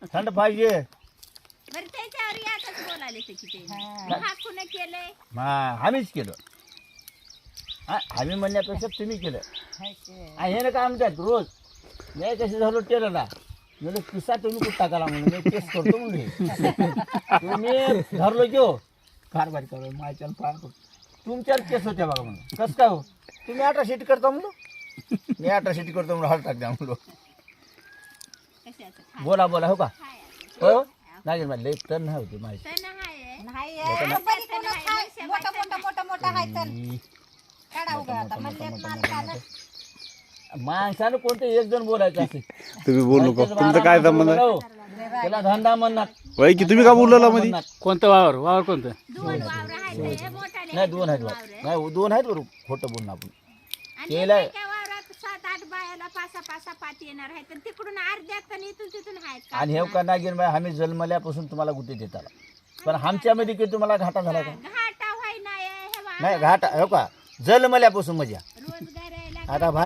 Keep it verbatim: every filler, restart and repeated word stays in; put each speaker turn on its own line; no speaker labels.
थंड पाहिजे.
बरं त्याच्यावर यातच बोलायले ते किती हा कुणी केलंय
हा आम्हीच केलं. हा, आम्ही म्हणण्यापेक्षा तुम्ही केलं. आणि हे ना काय म्हणतात रोज मी कशी झालो टेलर ना म्हणजे किस्सा तुम्ही कुठं टाकाला म्हणून मी केस करतो म्हणून तुम्ही धरलो की हो कारभारी करू माझ्यावर फार तुमच्यावर केस होत्या बघा म्हणून कसं काय हो तुम्ही अठरा शेटी करता म्हणलो मी अठरा शेटी करतो म्हणून हॉल टाक द्या म्हणलो.
कशाचं खा
बोला बोला हो का
खायचं
हो नाही माझी लेख तर नाही होती माझी.
सण आहे
नाही
मोठं ना-
मोठं मोठं मोठं मोठं आहे तर काढा उगा आता म्हणले माणसानं
माणसानं कोणतं एक जण बोलायचं असेल
तुम्ही बोलू नका. तुमचं काय संबंध आहे?
त्याला धंदा म्हणणार
वय की तुम्ही का बोलला मध्ये?
म्हणणार.
कोणतं वावर वावर कोणतं?
दोन वावर आहेत हे मोठाले
नाही दोन आहेत
वावर
बरं. नाही दोन आहेत बरोबर खोटं बोलणं आपण
आणि
केलंय.
एका वावरात सात आठ बायाला पासा पासा पाती येणार आहे तर तिकडून अर्ध्यात आणि इथून तिथून आहेत
आणि हे का नागिन बाई आम्ही जन्मल्यापासून तुम्हाला गुटे देत आला पण आमच्यामध्ये काही तुम्हाला घाटा झाला का?
घाटा व्हाय नाही हे
नाही घाटा हो का जन्मल्यापासून मजा
रोजगार यायला
आता भा